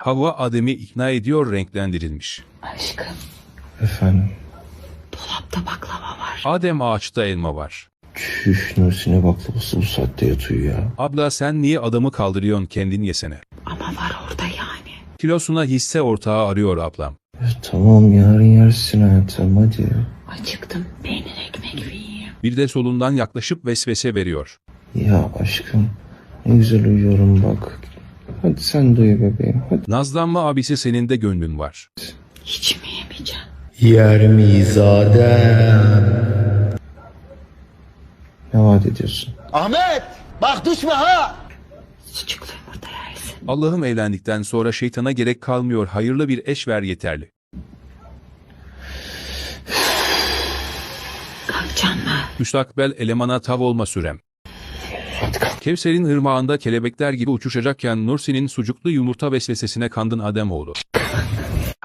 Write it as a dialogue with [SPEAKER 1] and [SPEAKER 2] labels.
[SPEAKER 1] Havva Adem'i ikna ediyor, renklendirilmiş.
[SPEAKER 2] Aşkım,
[SPEAKER 3] Efendim?
[SPEAKER 2] dolapta baklava var.
[SPEAKER 1] Adem, ağaçta elma var.
[SPEAKER 3] Çüş, Nursin'e baklavası bu saatte yatıyor ya.
[SPEAKER 1] Abla, sen niye adamı kaldırıyorsun, kendin yesene.
[SPEAKER 2] Ama var orada yani.
[SPEAKER 1] Kilosuna hisse ortağı arıyor ablam.
[SPEAKER 3] Tamam, yarın yersin hayatım, hadi.
[SPEAKER 2] Acıktım. Peynir ekmek yiyeyim.
[SPEAKER 1] Bir de solundan yaklaşıp vesvese veriyor.
[SPEAKER 3] Ya aşkım, ne güzel uyuyorum bak. Hadi sen de uyu bebeğim, hadi.
[SPEAKER 1] Nazlanma abisi, senin de gönlün var.
[SPEAKER 2] Hiç mi yemeyeceğim?
[SPEAKER 3] Yer miyiz Adem? Ne vaat ediyorsun?
[SPEAKER 4] Ahmet bak düşme ha.
[SPEAKER 2] Sucuklu yumurta yersin.
[SPEAKER 1] Allah'ım, evlendikten sonra şeytana gerek kalmıyor, hayırlı bir eş ver yeterli.
[SPEAKER 2] Kalkacaksın mı?
[SPEAKER 1] Müstakbel elemana tav olma sürem.
[SPEAKER 3] Hadi kalk.
[SPEAKER 1] Kevser'in ırmağında kelebekler gibi uçuşacakken Nursin'in sucuklu yumurta vesvesesine kandın Ademoğlu.